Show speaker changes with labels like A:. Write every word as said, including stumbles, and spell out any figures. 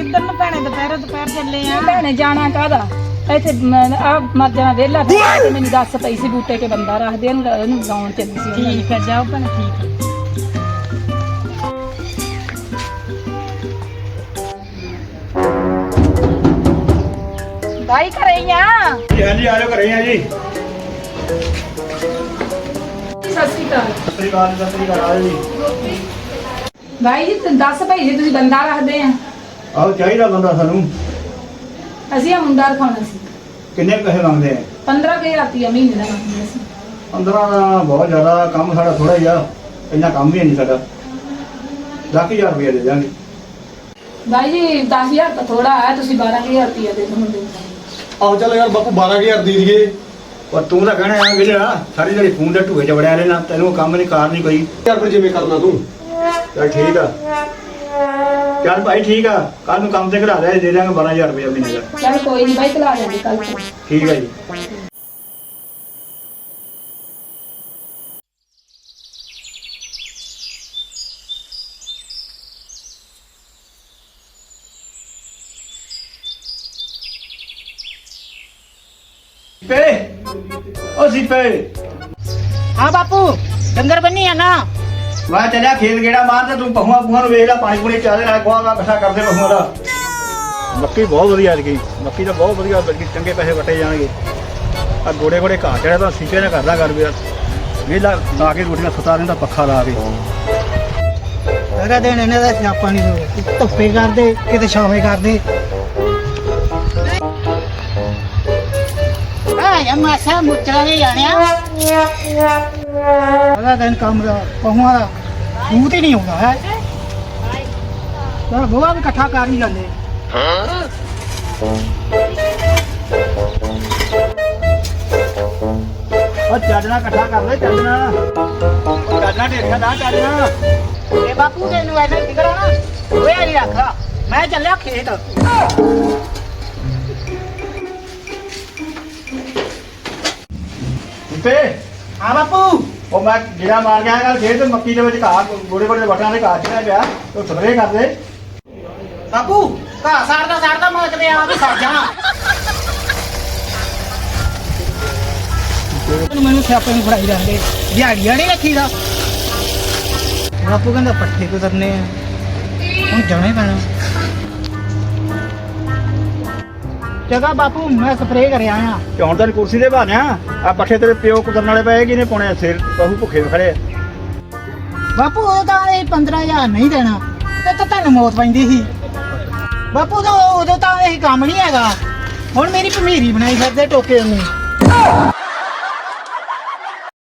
A: ਕਿੱਧਰ ਨੂੰ ਭੈਣੇ ਦੁਪਹਿਰ ਦੁਪਹਿਰ ਚੱਲੇ ਆ
B: ਭੈਣੇ ਜਾਣਾ ਕਾਹਦਾ ਇੱਥੇ ਆ ਮਰ ਜਾਣਾ ਵਿਹਲਾ ਤੇ ਮੈਨੂੰ ਦੱਸ ਪਈ ਸੀ ਬੂਟੇ ਕੇ ਬੰਦਾ ਰੱਖਦੇ ਉਹਨੂੰ ਉਹਨੂੰ ਗਾਉਣ ਚੱਲੀ ਸੀ
A: ਠੀਕ ਹੈ ਜਾਓ ਭੈਣੇ ਠੀਕ ਹੈ
B: ਬਾਈ ਘਰੇ ਹੀ ਆ
C: ਹਾਂਜੀ ਆ ਜਾਓ ਘਰੇ ਆ ਜੀ।
B: ਸਤਿ ਸ਼੍ਰੀ ਅਕਾਲ
C: ਸਤਿ ਸ੍ਰੀ ਅਕਾਲ ਸਤਿ ਸ੍ਰੀ ਅਕਾਲ ਆ ਜੀ।
B: ਬਾਈ ਜੀ ਤੁਸੀਂ ਦੱਸ ਭਾਈ ਜੀ ਤੁਸੀਂ ਬੰਦਾ ਰੱਖਦੇ ਆ
C: ਆਹੋ ਚਾਹੀਦਾ ਬੰਦਾ ਸਾਨੂੰ।
B: ਅਸੀਂ ਆ ਮੁੰਡਾ ਰਖਾਉਣਾ ਸੀ
C: ਕਿੰਨੇ ਪੈਸੇ ਮੰਗਦੇ ਆ?
B: ਪੰਦਰਾਂ ਹਜ਼ਾਰ ਰੁਪਇਆ ਮਹੀਨੇ ਦਾ ਮੰਗਦੇ ਅਸੀਂ
C: ਪੰਦਰਾਂ ਦਾ ਬਹੁਤ ਜ਼ਿਆਦਾ, ਕੰਮ ਸਾਡਾ ਥੋੜਾ ਹੀ ਆ, ਇੰਨਾ ਕੰਮ ਵੀ ਨਹੀਂ ਸਾਡਾ। ਦਸ ਹਜ਼ਾਰ ਰੁਪਏ ਦੇ ਦਿਆਂਗੇ।
B: ਬਾਈ ਜੀ ਦਸ ਹਜ਼ਾਰ ਤਾਂ ਥੋੜਾ ਹੈ ਤੁਸੀਂ ਬਾਰਾਂ ਹਜ਼ਾਰ ਰੁਪਇਆ ਦੇ ਦਿਓ ਮੁੰਡੇ ਨੂੰ
D: ਆਹੋ ਚੱਲ ਯਾਰ ਬਾਪੂ ਬਾਰਾਂ ਹਜ਼ਾਰ ਦੇ ਦਈਏ।
C: ਪਰ ਤੂੰ ਤਾਂ ਕਹਿਣਾ ਆ ਵਿਹਲਾ ਸਾਰੀ ਜਿਹੜੀ ਫੋਨ ਦੇ ਢੂਏ ਚ ਵੜਿਆ ਰਹਿਣਾ, ਤੈਨੂੰ ਕੰਮ ਨਹੀਂ ਕਾਰ ਨਹੀਂ ਕੋਈ।
D: ਯਾਰ ਫਿਰ ਜਿਵੇਂ ਕਰਨਾ ਤੂੰ।
C: ਚੱਲ ਠੀਕ ਆ, ਚੱਲ ਭਾਈ ਠੀਕ ਆ, ਕੱਲ ਨੂੰ ਕੰਮ ਤੇ ਘਰਾ ਦੇ ਦੇ ਦਿਆਂਗੇ ਬਾਰਾਂ ਹਜ਼ਾਰ ਰੁਪਏ ਮਹੀਨੇ ਦਾ।
B: ਚੱਲ ਕੋਈ ਨਹੀਂ ਬਾਈ ਕਲਾ ਜਾਂਦੇ ਕੱਲ ਤੋਂ
C: ਠੀਕ ਹੈ ਜੀ। ਸੀਪੇ ਓ ਸੀਪੇ
A: ਹਾਂ ਬਾਪੂ ਡੰਗਰ ਬੰਨੀ ਆ ਨਾ
C: ਮੈਂ ਚੱਲਿਆ ਖੇਤ ਗੇੜਾ ਮਾਰ ਤੇ ਤੂੰ ਪਹੂਆਂ ਪਹੂਆਂ ਨੂੰ ਵੇਖ ਲੈ, ਪਾਣੀ ਪੂਣੀ ਚਾਲੇ ਨਾਲ ਗੋਹਾ ਇਕੱਠਾ ਕਰਦੇ ਪਹੂਆਂ ਦਾ। ਮੱਕੀ ਬਹੁਤ ਵਧੀਆ ਐਤਕੀ, ਮੱਕੀ ਤਾਂ ਬਹੁਤ ਵਧੀਆ ਬਲਕਿ ਚੰਗੇ ਪੈਸੇ ਵਟੇ ਜਾਣਗੇ। ਆ ਗੋੜੇ ਗੋੜੇ ਘਾਹ ਚੜਿਆ ਤਾਂ ਸੀਪੇ ਨੇ ਕਰਦਾ ਕਰ ਵੀ ਵੇਲਾ ਲਾ ਕੇ ਰੋਟੀਆਂ ਸੁਤਾ ਦਿੰਦਾ ਪੱਖਾ ਲਾ ਕੇ।
A: ਸਾਰਾ ਦਿਨ ਇਹਨਾਂ ਦਾ ਸਿਆਪਾ ਨਹੀਂ ਧੁੱਪੇ ਕਰਦੇ ਕਿਤੇ ਛਾਵੇਂ ਕਰਦੇ ਆ ਯਾ ਮਾਸਾ ਮੁੱਚਾ ਦੇ ਜਾਣਿਆ ਸਾਰਾ ਦਿਨ ਕੰਮ ਦਾ ਪਹੂਆਂ ਦਾ ਸੂਤ ਹੀ ਨਹੀਂ ਆਉਂਦਾ ਹੈ ਤਾਂ ਗੋਹਾ ਵੀ ਇਕੱਠਾ ਕਰ ਹੀ ਜਾਂਦੇ
C: ਉਹ ਚਾਦਣਾ ਇਕੱਠਾ ਕਰ ਲੈ, ਚਾਦਣਾ ਚਾਦਣਾ ਢੇਰੀਆਂ ਦਾ ਚਾਦਣਾ।
A: ਇਹ ਬਾਪੂ ਤੈਨੂੰ ਐਨਾ ਫਿਕਰ ਆ ਨਾ ਹੋਇਆ ਨਹੀਂ ਰੱਖਦਾ ਮੈਂ ਚੱਲਿਆ ਖੇਤ
C: ਸੀਪੇ
A: ਹਾਂ ਬਾਪੂ
C: ਉਹ ਮੈਂ ਜਿਹੜਾ ਮਾਰ ਗਿਆ ਕੱਲ ਖੇਤ ਮੱਕੀ ਦੇ ਵਿੱਚ ਘਾਹ ਗੋੜੇ ਗੋੜੇ ਵਟਾਂ ਦੇ ਘਾਹ ਚੜਿਆ ਪਿਆ, ਉਹ ਸਪਰੇਅ ਕਰ ਦੇ।
A: ਬਾਪੂ ਘਾਹ ਸਾੜਦਾ ਸਾੜਦਾ ਮੈਂ ਕਿਤੇ ਆ ਵੀ ਸੜ ਜਾਣਾ ਮੈਨੂੰ ਸਿਆਪੇ ਨੂੰ ਫੜਾਈ ਜਾਂਦੇ ਦਿਹਾੜੀਆਂ ਨਹੀਂ ਰੱਖੀਦਾ ਬਾਪੂ ਕਹਿੰਦਾ ਪੱਠੇ ਕੁਤਰਨੇ ਆ ਹੁਣ ਜਾਣਾ ਹੀ ਪੈਣਾ ਜਗਾ ਬਾਪੂ ਮੈਂ ਸਪਰੇਅ ਕਰਿਆ ਆ
C: ਤੇ ਹੁਣ ਤੈਨੂੰ ਕੁਰਸੀ ਤੇ ਬਾਨਿਆ ਆ ਪੱਠੇ ਤੇਰੇ ਪਿਓ ਕੁਤਰਨ ਵਾਲੇ ਪਏ ਕਿਨੇ ਪਾਉਣੇ ਸਿਰ ਪਹੂ ਭੁੱਖੇ ਖੜੇ।
A: ਬਾਪੂ ਉਹ ਤਾਂ ਇਹ ਪੰਦਰਾਂ ਹਜ਼ਾਰ ਨਹੀਂ ਦੇਣਾ ਤੇ ਤਾਂ ਤੁਹਾਨੂੰ ਮੌਤ ਪੈਂਦੀ ਸੀ ਬਾਪੂ ਤਾਂ ਉਦੋਂ ਤਾਂ ਇਹ ਕੰਮ ਨਹੀਂ ਹੈਗਾ ਹੁਣ ਮੇਰੀ ਭਮੀਰੀ ਬਣਾਈ ਫਿਰਦੇ ਟੋਕੇ ਉਹਨੇ